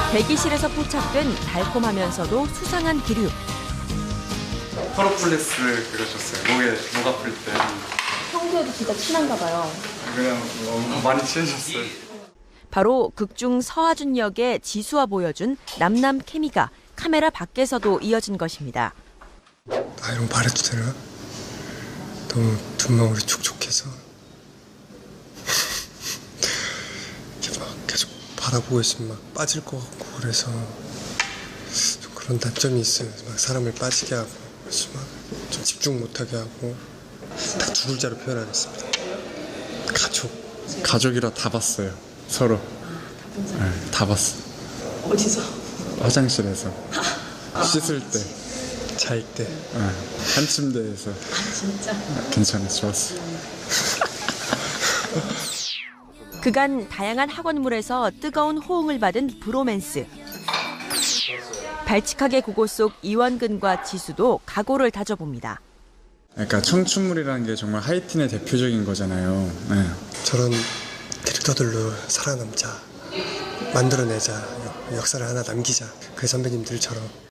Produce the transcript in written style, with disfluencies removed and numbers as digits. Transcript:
대기실에서 포착된 달콤하면서도 수상한 기류. 프로폴리스를 그려줬어요. 목 아플 때. 평소에도 진짜 친한가 봐요. 그냥 많이 친해졌어요. 바로 극중 서하준 역의 지수와 보여준 남남 케미가 카메라 밖에서도 이어진 것입니다. 아, 이런 거 말해도 되나? 너무 눈망울이 촉촉해서 이렇게 막 계속 바라보고 있으면 막 빠질 것 같고, 그래서 좀 그런 단점이 있어요. 막 사람을 빠지게 하고, 그래서 막 좀 집중 못하게 하고. 딱 두 글자로 표현하겠습니다. 가족이라 다 봤어요. 서로. 네, 다 봤어. 어디서? 화장실에서. 씻을 때. 잘 때. 네, 한 침대에서. 진짜? 괜찮아, 좋았어. 그간 다양한 학원물에서 뜨거운 호응을 받은 브로맨스. 발칙하게 국어 속 이원근과 지수도 각오를 다져봅니다. 그러니까 청춘물이라는 게 정말 하이틴의 대표적인 거잖아요. 네. 저런 캐릭터들로 살아남자, 만들어내자, 역사를 하나 남기자. 그 선배님들처럼.